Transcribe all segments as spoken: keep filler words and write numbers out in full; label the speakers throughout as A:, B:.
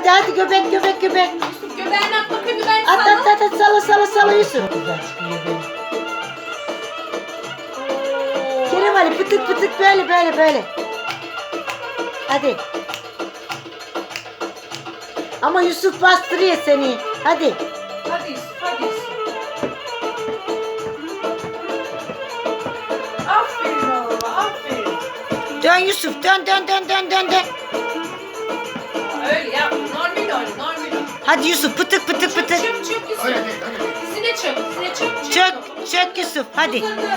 A: Hadi hadi göbek göbek göbek.
B: Yusuf göbeğini at bakayım göbeğini
A: At
B: salla.
A: at at at salla salla salla Yusuf. Kerem Ali pıtık pıtık böyle böyle böyle. Hadi. Ama Yusuf bastırıyor seni. Hadi.
B: Hadi Yusuf hadi Yusuf. Aferin oğluma aferin.
A: Dön Yusuf dön dön dön dön dön dön.
B: Öyle yapma normal oyna normal oyna.
A: Hadi Yusuf pıtık pıtık
B: Çök
A: pıtık.
B: çök çök Yusuf.
C: Öyle değil, öyle değil.
B: Dizine çök dizine çök.
A: Çök çök Yusuf hadi.
B: Uzandı.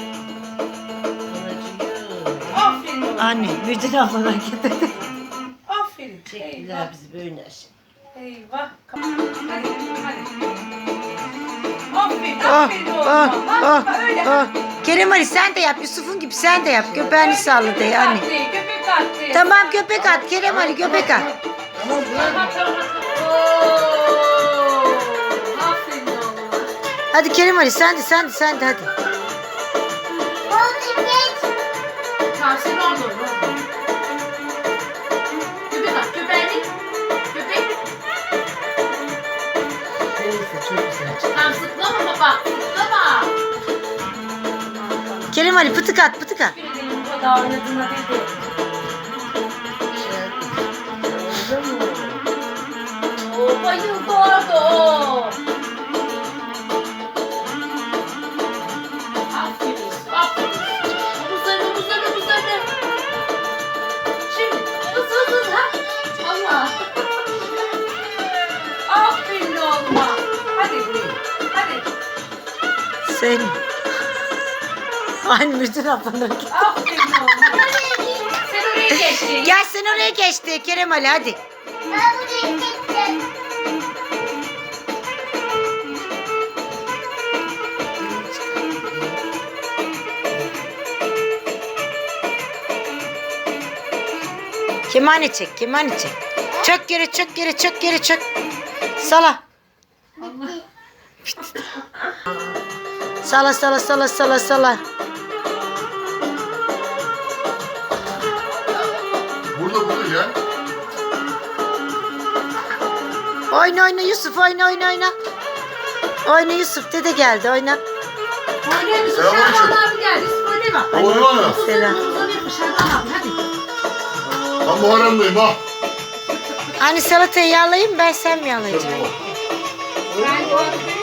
B: Aferin oğlum.
A: Anne Müdür ablan hareket etti.
B: Aferin.
D: Çektiler
B: Eyvah.
D: bizi böyle aşağı.
B: Eyvah. Hadi hadi. Aferin
A: Oh,
B: aferin
A: oh,
B: oğluma.
A: oh,
B: Bak öyle.
A: oh. Kerem Ali sen de yap Yusuf'un gibi sen de yap. Göbeğini salla de anne.
B: Köpek attı.
A: Tamam göbek at Kerem Ali göbek at.
C: Tamam bırak.
B: Tamam tamam tamam. Oo. Aferin oğluma.
A: Hadi Kerem Ali sen de sen de sen de hadi.
B: Tamam sen orada ol. orada ol. Köpek at köpeğini. Köpek.
D: Neyse çok güzel çıktı.
B: Tamam sıklama baba. Sıklama.
A: Kerem Ali pıtık at pıtık at.
B: Bir de bu kadar oynadığına dedi.
D: Oldu mu?
B: Oo bayıldı orada o. Aferin, aferin. Omuzlarını, omuzlarını, omuzlarını. Şimdi hızlı hızlı hızlı. Ha? Allah. Aferin oğluma. Hadi, hadi.
A: Sen. Aynı Müdür ablan hareket.
B: Aferin oğluma. Sen oraya geçtin.
A: Gel sen oraya geçti Kerem Ali hadi. Kemane çek kemane çek. Çök geri çök geri çök geri çök. Sala. Sala sala sala sala sala.
C: Burada burada gel.
A: Oyna oyna Yusuf oyna oyna oyna. Oyna Yusuf dede geldi oyna.
B: Oynayın Yusuf.
C: Selamünaleyküm.
B: Şaban abi geldi. Yusuf oynama.
C: Oğlum ana.
A: Selam.
B: Uzanıyor Şaban abi. Hadi.
C: Ben Muharrem'deyim ha.
A: Hani salatayı yağlayayım ben sen mi yağlayacaksın?
B: Ben